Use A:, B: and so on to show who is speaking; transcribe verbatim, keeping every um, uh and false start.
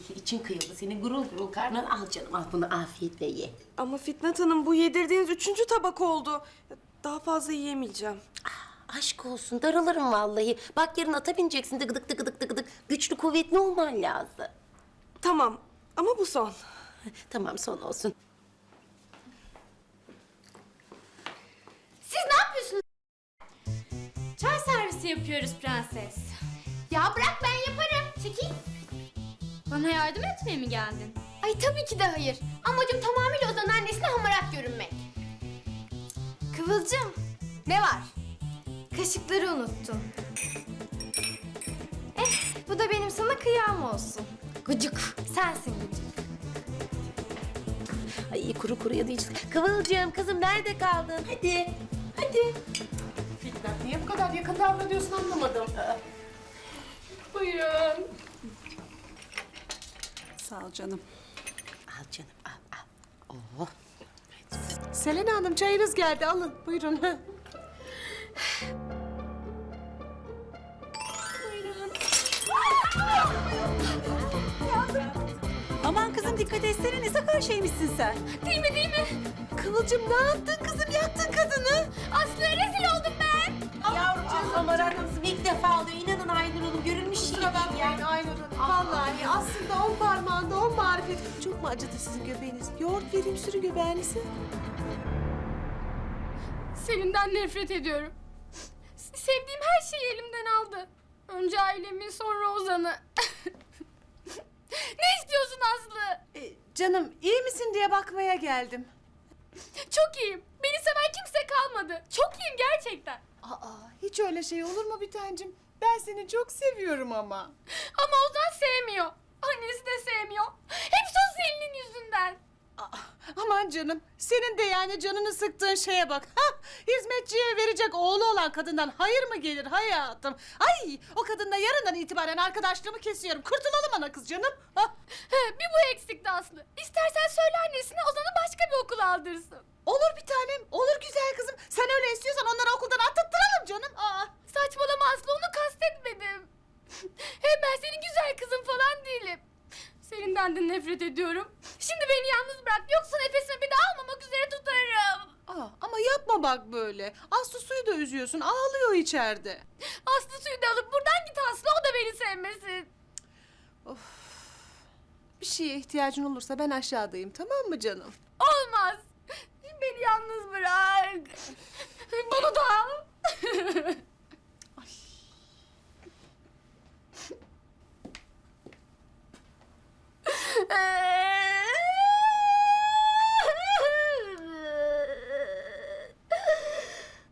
A: için kıyıldı. Senin gurul gurul karnın al canım al bunu afiyetle ye.
B: Ama Fitnat Hanım bu yedirdiğiniz üçüncü tabak oldu. Daha fazla yiyemeyeceğim.
A: Aşk olsun daralırım vallahi. Bak yarın ata bineceksin dıgıdık dıgıdık dıgıdık. Güçlü kuvvetli olman lazım.
B: Tamam ama bu son.
A: Tamam son olsun.
C: Siz ne yapıyorsunuz? Çay servisi yapıyoruz prenses. Ya bırak ben yaparım. Çekil. Bana yardım etmeye mi geldin? Ay tabii ki de hayır. Amacım tamamıyla Ozan'ın annesine hamarat görünmek. Kıvılcım, ne var? Kaşıkları unuttun. Eh, bu da benim sana kıyam olsun. Gıcık. Sensin gıcık.
A: Ay kuru kuru ya da hiç. Kıvılcım kızım nerede kaldın? Hadi. Hadi.
D: Fitnat niye bu kadar yakın davranıyorsun anlamadım. Buyurun. Sağ ol canım.
A: Al canım al al. Oh.
D: Selena Hanım çayınız geldi alın buyurun.
E: Aman kızım dikkat etsene ne sakar şeymişsin sen.
C: Değil mi değil mi?
E: Kıvılcım ne yaptın kızım yaktın kadını.
C: Aslı'ya rezil oldum ben.
A: Yavrucuğum hamarat kızım ilk defa oluyor. İnanın Aynur Hanım görülmüş şey
D: Kusura
A: değil
D: bakmayın
A: ya.
D: Aynur Hanım. Vallahi aslında on parmağında on marifet. Çok mu acıdı sizin göbeğiniz? Yoğurt vereyim sürü göbeğinizi.
C: Selin'den nefret ediyorum. S- Sevdiğim her şeyi elimden aldı. Önce ailemi, sonra Ozan'ı. Ne istiyorsun Aslı?
D: Ee, canım iyi misin diye bakmaya geldim.
C: Çok iyiyim. Beni seven kimse kalmadı. Çok iyiyim gerçekten.
D: Aa hiç öyle şey olur mu bir tancım? Ben seni çok seviyorum ama.
C: Ama Ozan sevmiyor. Annesi de sevmiyor. Hepsi o Selin'in yüzünden.
D: Aa, aman canım senin de yani canını sıktığın şeye bak. Ha, hizmetçiye verecek oğlu olan kadından hayır mı gelir hayatım? Ay o kadınla yarından itibaren arkadaşlığımı kesiyorum. Kurtulalım ana kız canım. Ha.
C: He, bir bu eksikti Aslı. İstersen söyle annesine Ozan'ı başka bir okula aldırsın.
D: Olur bir tanem, olur güzel kızım. Sen öyle istiyorsan onları okuldan attırtıralım canım. Aa.
C: Saçmalama Aslı, onu kastetmedim. Hem ben senin güzel kızın falan değilim. Selinden de nefret ediyorum. Şimdi beni yalnız bırak, yoksa nefesimi bir daha almamak üzere tutarım.
D: Aa, ama yapma bak böyle. Aslı suyu da üzüyorsun, ağlıyor içeride.
C: Aslı suyu da alıp buradan git Aslı, o da beni sevmesin.
D: Bir şeye ihtiyacın olursa ben aşağıdayım, tamam mı canım?
C: Olmaz. Beni yalnız bırak. Bunu da al.